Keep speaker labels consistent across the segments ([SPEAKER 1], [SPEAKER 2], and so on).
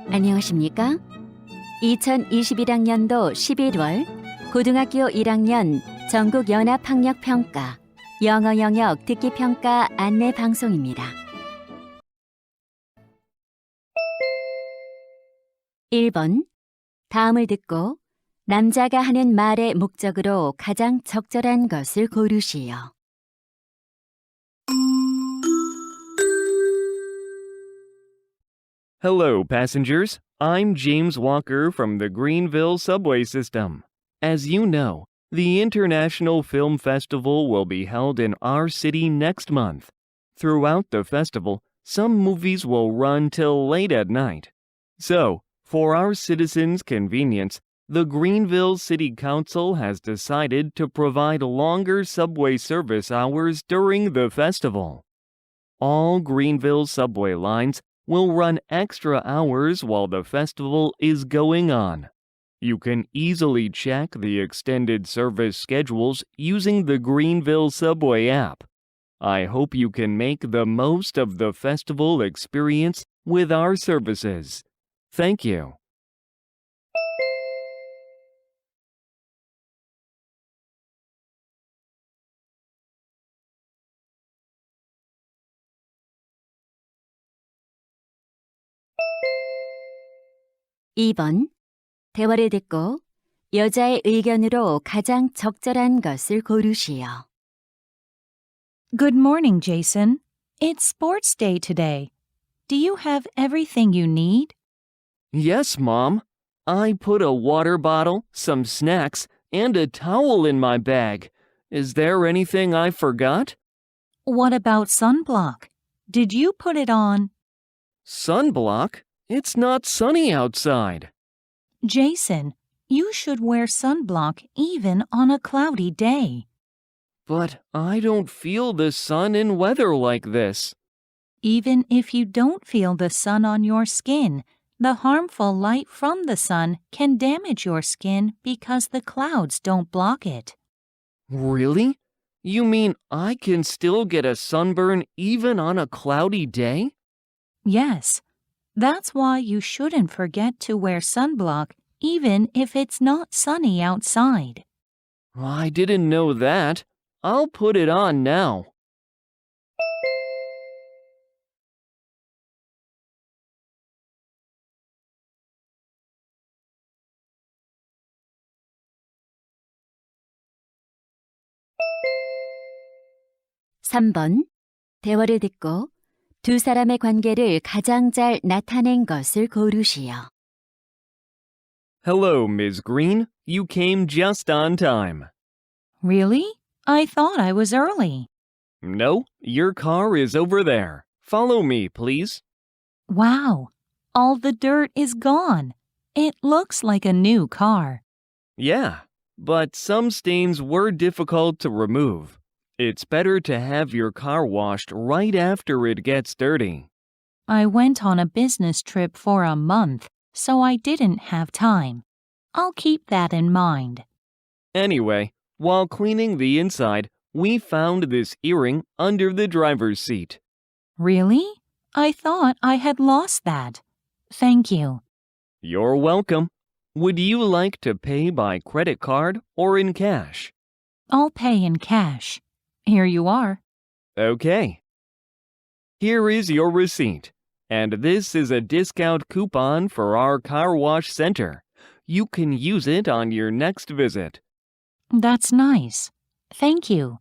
[SPEAKER 1] 안녕하십니까? 2021학년도 11월 고등학교 1학년 전국연합학력평가 영어 영역 듣기평가 안내 방송입니다. 1번. 다음을 듣고 남자가 하는 말의 목적으로 가장 적절한 것을 고르시오.
[SPEAKER 2] Hello, passengers. I'm James Walker from the Greenville subway system. As you know, the International Film Festival will be held in our city next month. Throughout the festival, some movies will run till late at night. So, for our citizens' convenience, the Greenville City Council has decided to provide longer subway service hours during the festival. All Greenville subway lines will run extra hours while the festival is going on. You can easily check the extended service schedules using the Greenville Subway app. I hope you can make the most of the festival experience with our services. Thank you.
[SPEAKER 1] (2번) 대화를 듣고 여자의 의견으로 가장 적절한 것을 고르시오.
[SPEAKER 3] Good morning, Jason. It's sports day today. Do you have everything you need?
[SPEAKER 2] Yes, Mom. I put a water bottle, some snacks, and a towel in my bag. Is there anything I forgot?
[SPEAKER 3] What about sunblock? Did you put it on?
[SPEAKER 2] Sunblock? It's not sunny outside.
[SPEAKER 3] Jason, you should wear sunblock even on a cloudy day.
[SPEAKER 2] But I don't feel the sun in weather like this.
[SPEAKER 3] Even if you don't feel the sun on your skin, the harmful light from the sun can damage your skin because the clouds don't block it.
[SPEAKER 2] Really? You mean I can still get a sunburn even on a cloudy day?
[SPEAKER 3] Yes. That's why you shouldn't forget to wear sunblock even if it's not sunny outside.
[SPEAKER 2] I didn't know that. I'll put it on now.
[SPEAKER 1] (3번) 대화를 듣고 두 사람의 관계를 가장 잘 나타낸 것을 고르시오.
[SPEAKER 2] Hello, Ms. Green. You came just on time.
[SPEAKER 3] Really? I thought I was early.
[SPEAKER 2] No, your car is over there. Follow me, please.
[SPEAKER 3] Wow, all the dirt is gone. It looks like a new car.
[SPEAKER 2] Yeah, but some stains were difficult to remove. It's better to have your car washed right after it gets dirty.
[SPEAKER 3] I went on a business trip for a month, so I didn't have time. I'll keep that in mind.
[SPEAKER 2] Anyway, while cleaning the inside, we found this earring under the driver's seat.
[SPEAKER 3] Really? I thought I had lost that. Thank you.
[SPEAKER 2] You're welcome. Would you like to pay by credit card or in cash?
[SPEAKER 3] I'll pay in cash. Here you are.
[SPEAKER 2] Okay. Here is your receipt, and this is a discount coupon for our car wash center. You can use it on your next visit.
[SPEAKER 3] That's nice. Thank you.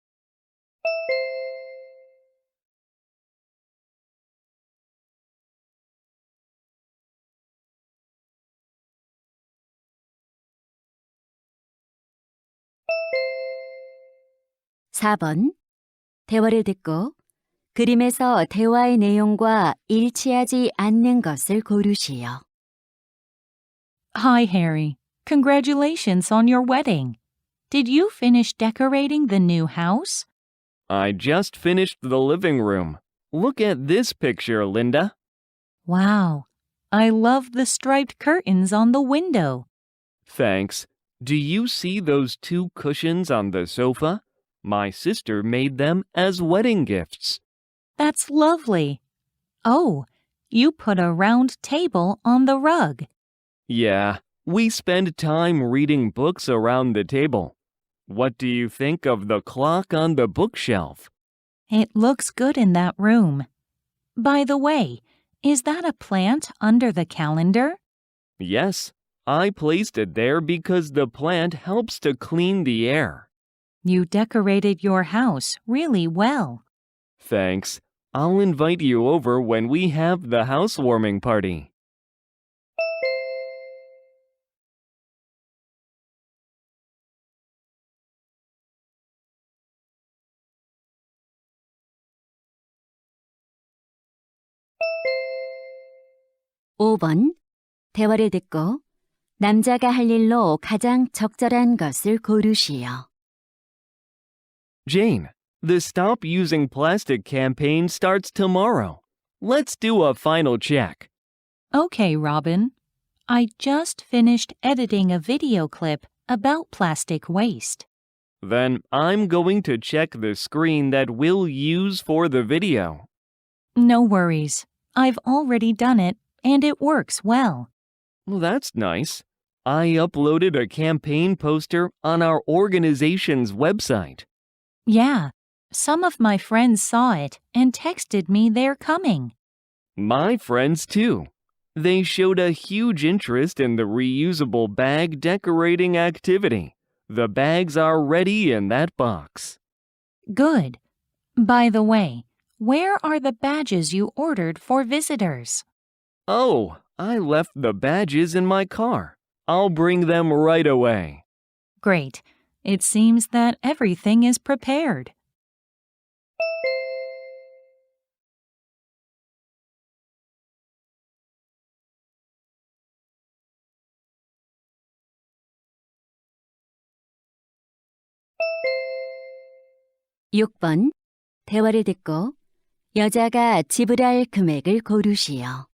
[SPEAKER 1] (4번) 대화를 듣고 그림에서 대화의 내용과 일치하지 않는 것을 고르시오.
[SPEAKER 3] Hi, Harry. Congratulations on your wedding. Did you finish decorating the new house?
[SPEAKER 2] I just finished the living room. Look at this picture, Linda.
[SPEAKER 3] Wow. I love the striped curtains on the window.
[SPEAKER 2] Thanks. Do you see those two cushions on the sofa? My sister made them as wedding gifts.
[SPEAKER 3] That's lovely. Oh, You put a round table on the rug.
[SPEAKER 2] Yeah, we spend time reading books around the table. What do you think of the clock on the bookshelf?
[SPEAKER 3] It looks good in that room. By the way, is that a plant under the calendar?
[SPEAKER 2] Yes, I placed it there because the plant helps to clean the air.
[SPEAKER 3] You decorated your house really well.
[SPEAKER 2] Thanks. I'll invite you over when we have the housewarming party.
[SPEAKER 1] 오 번 대화를 듣고 남자가 할 일로 가장 적절한 것을 고르시오.
[SPEAKER 2] Jane, the Stop Using Plastic campaign starts tomorrow. Let's do a final check.
[SPEAKER 3] Okay, Robin. I just finished editing a video clip about plastic waste.
[SPEAKER 2] Then I'm going to check the screen that we'll use for the video.
[SPEAKER 3] No worries. I've already done it, and it works well.
[SPEAKER 2] Well, that's nice. I uploaded a campaign poster on our organization's website.
[SPEAKER 3] Yeah, some of my friends saw it and texted me they're coming.
[SPEAKER 2] My friends, too. They showed a huge interest in the reusable bag decorating activity. The bags are ready in that box.
[SPEAKER 3] Good. By the way, where are the badges you ordered for visitors?
[SPEAKER 2] Oh, I left the badges in my car. I'll bring them right away.
[SPEAKER 3] Great. It seems that everything is prepared.
[SPEAKER 1] 육 번 대화를 듣고 여자가 지불할 금액을 고르시오.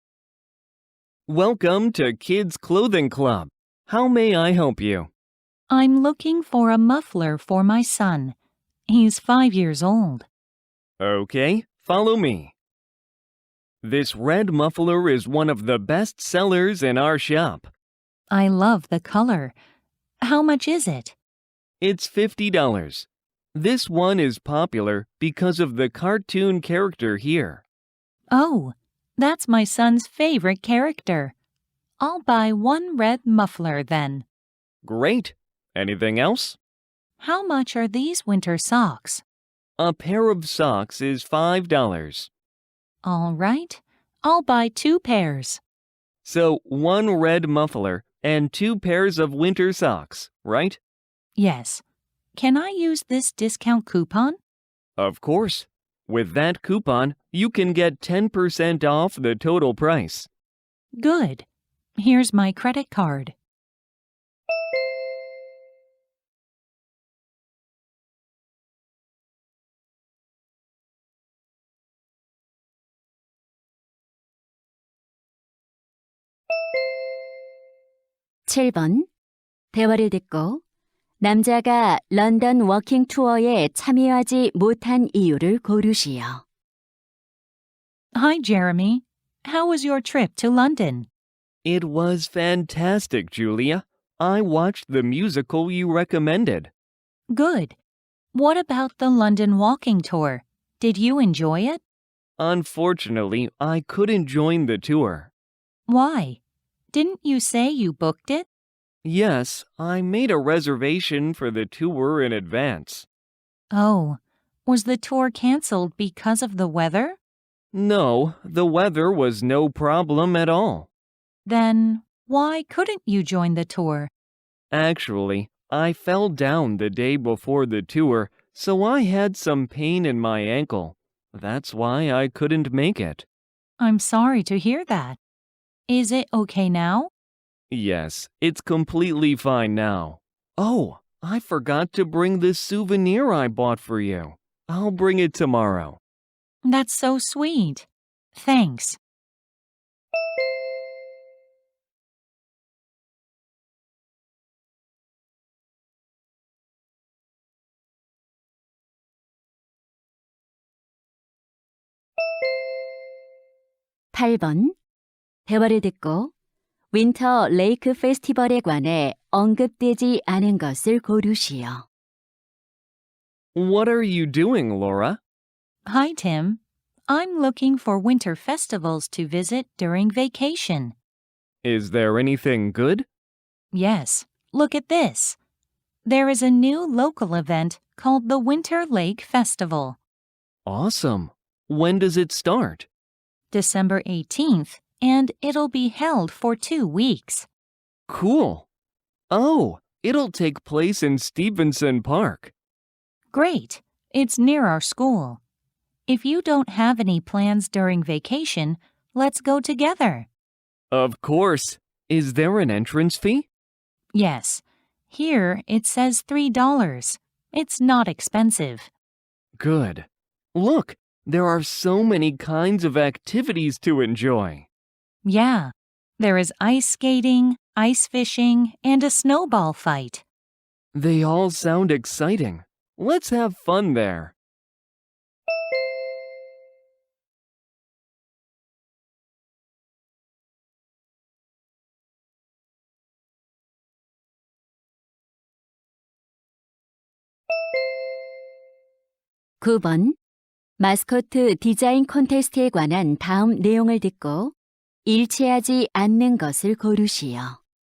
[SPEAKER 2] Welcome to Kids Clothing Club. How may I help you?
[SPEAKER 3] I'm looking for a muffler for my son. He's 5 years old.
[SPEAKER 2] Okay, follow me. This red muffler is one of the best sellers in our shop.
[SPEAKER 3] I love the color. How much is it?
[SPEAKER 2] It's $50. This one is popular because of the cartoon character here.
[SPEAKER 3] Oh, that's my son's favorite character. I'll buy one red muffler then.
[SPEAKER 2] Great. Anything else?
[SPEAKER 3] How much are these winter socks?
[SPEAKER 2] A pair of socks is $5.
[SPEAKER 3] All right, I'll buy 2 pairs.
[SPEAKER 2] So one red muffler and 2 pairs of winter socks, right?
[SPEAKER 3] Yes. Can I use this discount coupon?
[SPEAKER 2] Of course. With that coupon, you can get 10% off the total price.
[SPEAKER 3] Good. Here's my credit card.
[SPEAKER 1] 칠 번 대화를 듣고 남자가 런던 워킹 투어에 참여하지 못한 이유를 고르시오.
[SPEAKER 3] Hi, Jeremy. How was your trip to London?
[SPEAKER 2] It was fantastic, Julia. I watched the musical you recommended.
[SPEAKER 3] Good. What about the London walking tour? Did you enjoy it?
[SPEAKER 2] Unfortunately, I couldn't join the tour.
[SPEAKER 3] Why? Didn't you say you booked it?
[SPEAKER 2] Yes, I made a reservation for the tour in advance.
[SPEAKER 3] Oh, was the tour canceled because of the weather?
[SPEAKER 2] No, the weather was no problem at all.
[SPEAKER 3] Then why couldn't you join the tour?
[SPEAKER 2] Actually, I fell down the day before the tour, so I had some pain in my ankle. That's why I couldn't make it.
[SPEAKER 3] I'm sorry to hear that. Is it okay now?
[SPEAKER 2] Yes, it's completely fine now. Oh, I forgot to bring the souvenir I bought for you. I'll bring it tomorrow.
[SPEAKER 3] That's so sweet. Thanks.
[SPEAKER 1] 8번. 대화를 듣고 윈터 레이크 페스티벌에 관해 언급되지 않은 것을 고르시오.
[SPEAKER 2] What are you doing, Laura?
[SPEAKER 3] Hi, Tim. I'm looking for winter festivals to visit during vacation.
[SPEAKER 2] Is there anything good?
[SPEAKER 3] Yes, look at this. There is a new local event called the Winter Lake Festival.
[SPEAKER 2] Awesome. When does it start?
[SPEAKER 3] December 18th, and it'll be held for 2 weeks.
[SPEAKER 2] Cool. Oh, it'll take place in Stevenson Park.
[SPEAKER 3] Great. It's near our school. If you don't have any plans during vacation, let's go together.
[SPEAKER 2] Of course. Is there an entrance fee?
[SPEAKER 3] Yes. Here it says $3. It's not expensive.
[SPEAKER 2] Good. Look, there are so many kinds of activities to enjoy.
[SPEAKER 3] Yeah. There is ice skating, ice fishing, and a snowball fight.
[SPEAKER 2] They all sound exciting. Let's have fun there.
[SPEAKER 1] 구 번. 마스코트 디자인 콘테스트에 관한 다음 내용을 듣고 일치하지 않는 것을 고르시오.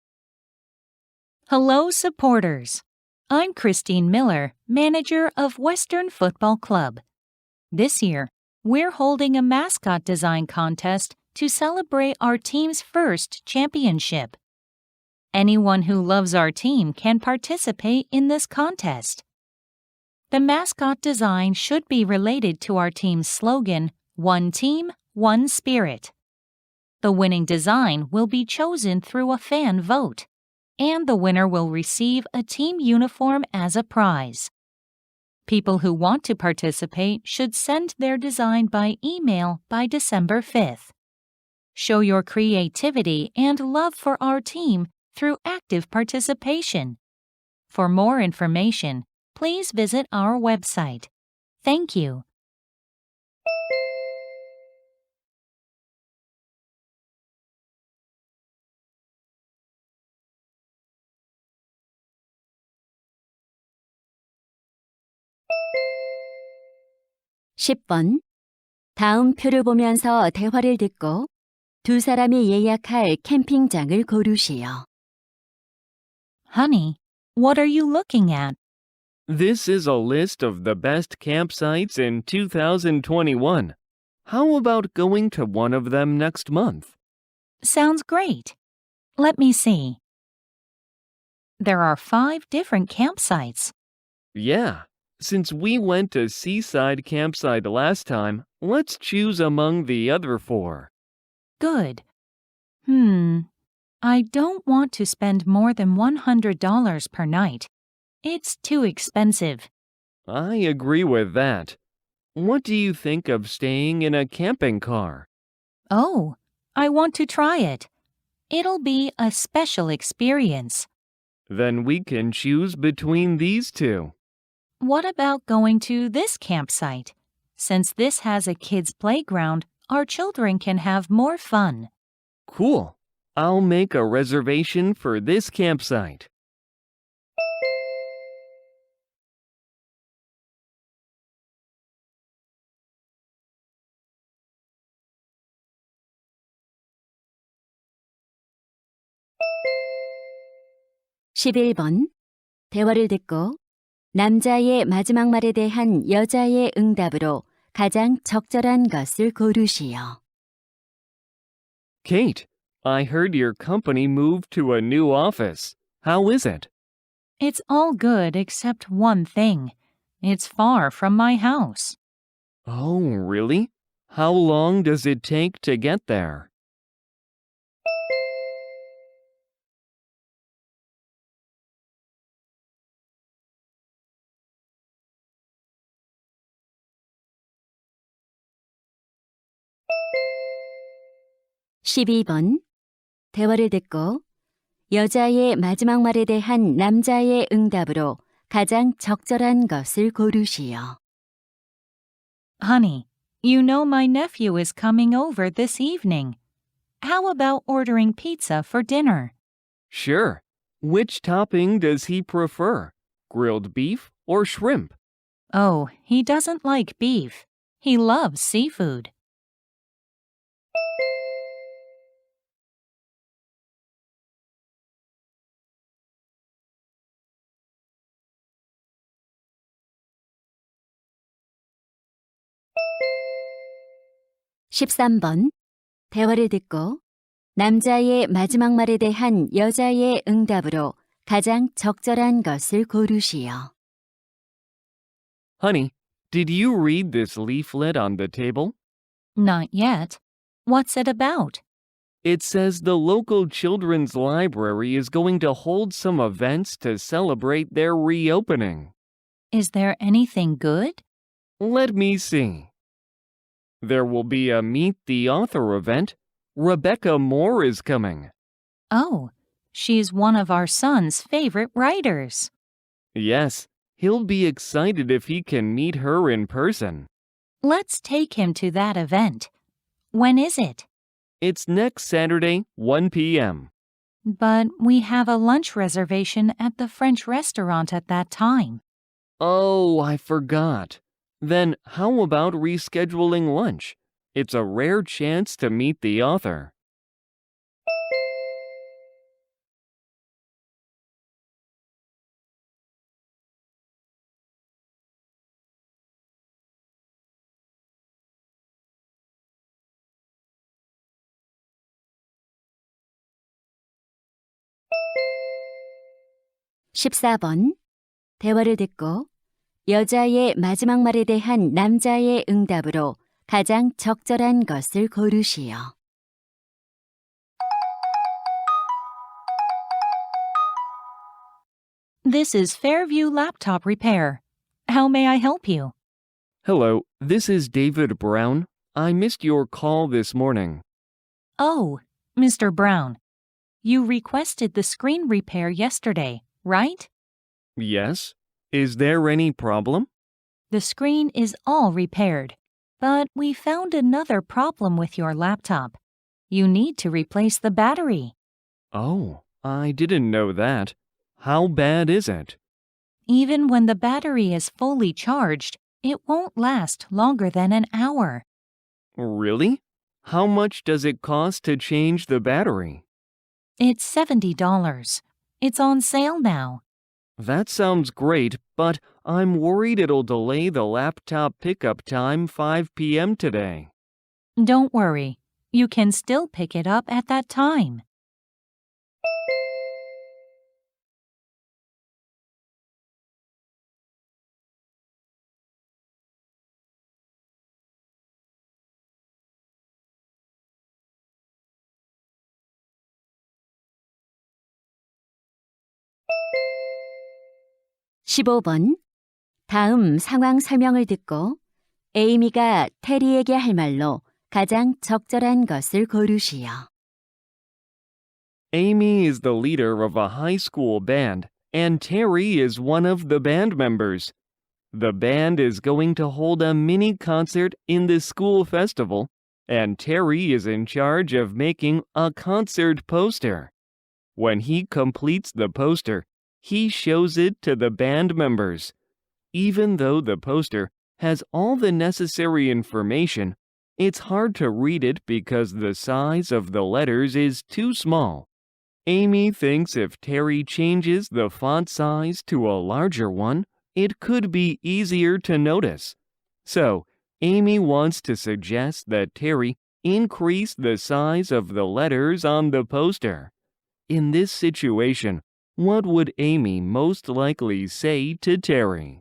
[SPEAKER 3] Hello, supporters. I'm Christine Miller, manager of Western Football Club. This year, we're holding a mascot design contest to celebrate our team's first championship. Anyone who loves our team can participate in this contest. The mascot design should be related to our team's slogan, One Team, One Spirit. The winning design will be chosen through a fan vote, and the winner will receive a team uniform as a prize. People who want to participate should send their design by email by December 5th. Show your creativity and love for our team through active participation. For more information, please visit our website. Thank you.
[SPEAKER 1] 십 번. 다음 표를 보면서 대화를 듣고 두 사람이 예약할 캠핑장을 고르시오.
[SPEAKER 3] Honey, what are you looking at?
[SPEAKER 2] This is a list of the best campsites in 2021. How about going to one of them next month?
[SPEAKER 3] Sounds great. Let me see. There are 5 different campsites.
[SPEAKER 2] Yeah. Since we went to Seaside Campsite last time, let's choose among the other 4.
[SPEAKER 3] Good. I don't want to spend more than $100 per night. It's too expensive.
[SPEAKER 2] I agree with that. What do you think of staying in a camping car?
[SPEAKER 3] Oh, I want to try it. It'll be a special experience.
[SPEAKER 2] Then we can choose between these 2.
[SPEAKER 3] What about going to this campsite? Since this has a kids' playground, our children can have more fun.
[SPEAKER 2] Cool. I'll make a reservation for this campsite.
[SPEAKER 1] 십일 번. 대화를 듣고 남자의 마지막 말에 대한 여자의 응답으로 가장 적절한 것을 고르시오.
[SPEAKER 2] Kate, I heard your company moved to a new office. How is it?
[SPEAKER 3] It's all good except one thing. It's far from my house.
[SPEAKER 2] Oh, really? How long does it take to get there?
[SPEAKER 1] 십이 번. 대화를 듣고 여자의 마지막 말에 대한 남자의 응답으로 가장 적절한 것을 고르시오.
[SPEAKER 3] Honey, You know my nephew is coming over this evening. How about ordering pizza for dinner?
[SPEAKER 2] Sure. Which topping does he prefer? Grilled beef or shrimp?
[SPEAKER 3] Oh, he doesn't like beef. He loves seafood.
[SPEAKER 1] 십삼 번 대화를 듣고 남자의 마지막 말에 대한 여자의 응답으로 가장 적절한 것을 고르시오.
[SPEAKER 2] Honey, did you read this leaflet on the table?
[SPEAKER 3] Not yet. What's it about?
[SPEAKER 2] It says the local children's library is going to hold some events to celebrate their reopening.
[SPEAKER 3] Is there anything good?
[SPEAKER 2] Let me see. There will be a Meet the Author event. Rebecca Moore is coming.
[SPEAKER 3] Oh, she's one of our son's favorite writers.
[SPEAKER 2] Yes, he'll be excited if he can meet her in person.
[SPEAKER 3] Let's take him to that event. When is it?
[SPEAKER 2] It's next Saturday, 1 p.m.
[SPEAKER 3] But we have a lunch reservation at the French restaurant at that time.
[SPEAKER 2] Oh, I forgot. Then how about rescheduling lunch? It's a rare chance to meet the author.
[SPEAKER 1] 십사 번 대화를 듣고 여자의 마지막 말에 대한 남자의 응답으로 가장 적절한 것을 고르시오.
[SPEAKER 3] This is Fairview Laptop Repair. How may I help you?
[SPEAKER 2] Hello, this is David Brown. I missed your call this morning.
[SPEAKER 3] Oh, Mr. Brown. You requested the screen repair yesterday, right?
[SPEAKER 2] Yes? Is there any problem?
[SPEAKER 3] The screen is all repaired, but we found another problem with your laptop. You need to replace the battery.
[SPEAKER 2] Oh, I didn't know that. How bad is it?
[SPEAKER 3] Even when the battery is fully charged, it won't last longer than an hour.
[SPEAKER 2] Really? How much does it cost to change the battery?
[SPEAKER 3] It's $70. It's on sale now.
[SPEAKER 2] That sounds great, but I'm worried it'll delay the laptop pickup time 5 p.m. today.
[SPEAKER 3] Don't worry. You can still pick it up at that time.
[SPEAKER 1] 십오 번 다음 상황 설명을 듣고 에이미가 테리에게 할 말로 가장 적절한 것을 고르시오.
[SPEAKER 2] Amy is the leader of a high school band, and Terry is one of the band members. The band is going to hold a mini concert in the school festival, and Terry is in charge of making a concert poster. When he completes the poster, he shows it to the band members. Even though the poster has all the necessary information, it's hard to read it because the size of the letters is too small. Amy thinks if Terry changes the font size to a larger one, it could be easier to notice. So, Amy wants to suggest that Terry increase the size of the letters on the poster. In this situation, what would Amy most likely say to Terry?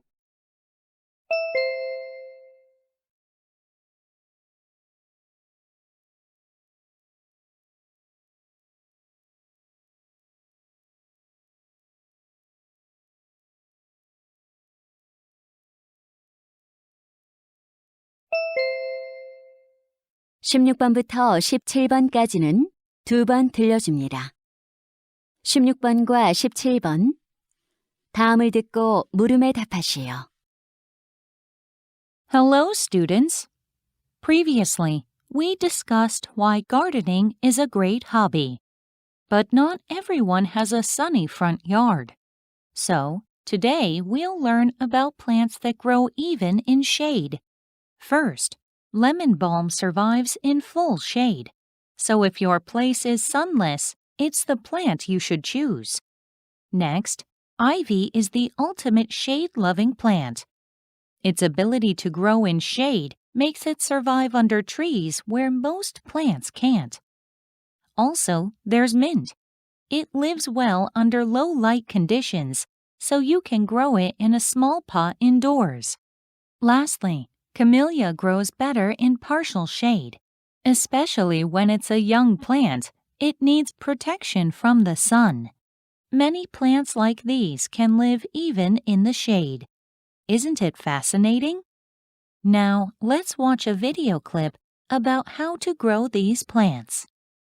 [SPEAKER 1] 십육 번부터 17번까지는 두 번 들려줍니다. 16번과 17번 다음을 듣고 물음에 답하시오.
[SPEAKER 3] Hello, students. Previously, we discussed why gardening is a great hobby. But not everyone has a sunny front yard. So, today we'll learn about plants that grow even in shade. First, lemon balm survives in full shade. So if your place is sunless, it's the plant you should choose. Next, ivy is the ultimate shade-loving plant. Its ability to grow in shade makes it survive under trees where most plants can't. Also, there's mint. It lives well under low light conditions, so you can grow it in a small pot indoors. Lastly, camellia grows better in partial shade. Especially when it's a young plant, it needs protection from the sun. Many plants like these can live even in the shade. Isn't it fascinating? Now, let's watch a video clip about how to grow these plants.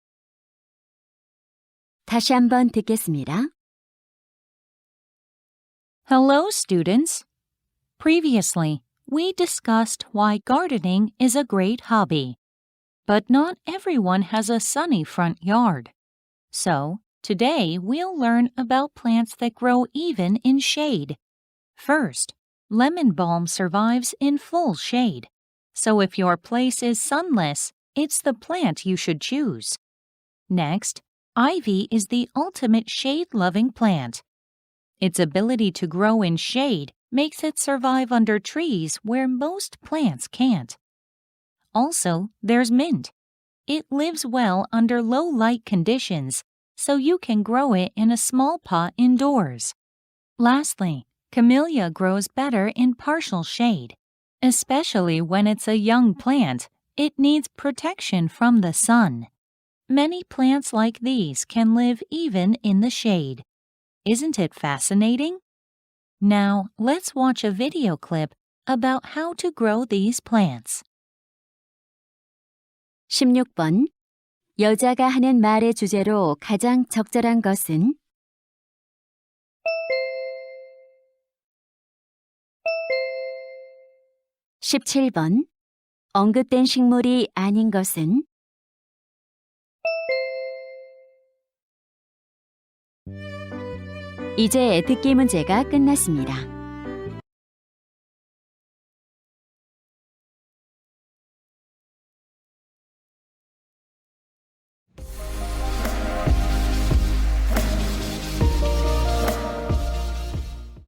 [SPEAKER 1] 다시 한번 듣겠습니다.
[SPEAKER 3] Hello, students. Previously, we discussed why gardening is a great hobby. But not everyone has a sunny front yard. So, today we'll learn about plants that grow even in shade. First, lemon balm survives in full shade. So if your place is sunless, it's the plant you should choose. Next, ivy is the ultimate shade-loving plant. Its ability to grow in shade makes it survive under trees where most plants can't. Also, there's mint. It lives well under low light conditions, so you can grow it in a small pot indoors. Lastly, camellia grows better in partial shade. Especially when it's a young plant, it needs protection from the sun. Many plants like these can live even in the shade. Isn't it fascinating? Now, let's watch a video clip about how to grow these plants.
[SPEAKER 1] 16번. 여자가 하는 말의 주제로 가장 적절한 것은? 17번. 언급된 식물이 아닌 것은? 이제 듣기 문제가 끝났습니다.